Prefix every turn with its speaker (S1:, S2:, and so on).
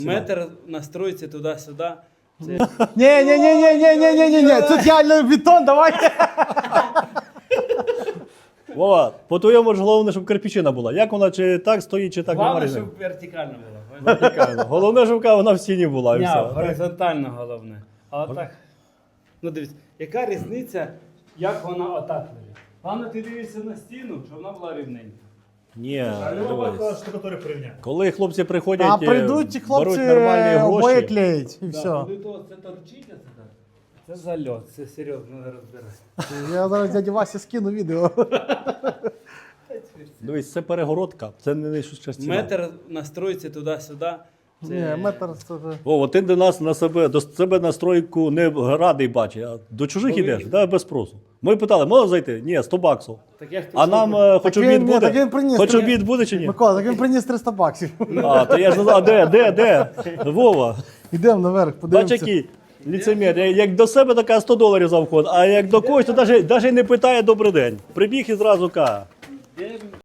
S1: Метр настроїться туди-сюди.
S2: Ні, тут реально бетон, давайте.
S3: Вова, по-твоєму ж головне, щоб кирпичина була. Як вона, чи так стоїть, чи так
S1: Головне,
S3: немає
S1: щоб
S3: різниці?
S1: вертикально було.
S3: Вертикально. Головне, щоб вона в стіні була і
S1: Ні,
S3: все.
S1: горизонтально головне. А отак. Ну дивись, яка різниця, як вона отак лежить? Головне, ти дивишся на стіну, щоб вона була рівненька.
S3: Ні,
S4: Люба
S3: дивись.
S4: штукатури порівняє.
S3: Коли хлопці приходять,
S2: А прийдуть ті хлопці
S3: беруть нормальні
S2: обоє
S3: гроші.
S2: клеїть і
S1: Да,
S2: все.
S1: коли то це торчить, а це так. Це зальот, це серйозно треба розбирати.
S2: Я зараз дяді Васі скину відео.
S3: Дивись, це перегородка, це не щось ціна.
S1: Метр настроїться туди-сюди.
S2: Ні, метр це вже.
S3: Вова, ти до нас до себе настройку не радий бачить, а до чужих
S1: Коли-
S3: ідеш, да, без спросу. Ми питали, можна зайти? Ні, 100 баксів.
S1: Так я ж
S3: А нам хоч
S2: Так
S3: обід
S2: він- ні, так він
S3: буде?
S2: приніс.
S3: Хоч
S2: Так
S3: обід буде чи ні?
S2: Микола, так він приніс 300 баксів.
S3: А, то я ж не знаю, де? Вова,
S2: Йдемо наверх,
S3: бач
S2: подивимося.
S3: який ліцемір. Як до себе така 100 доларів за вход, а як до когось, то навіть не питає добрий день. Прибіг і зразу каже.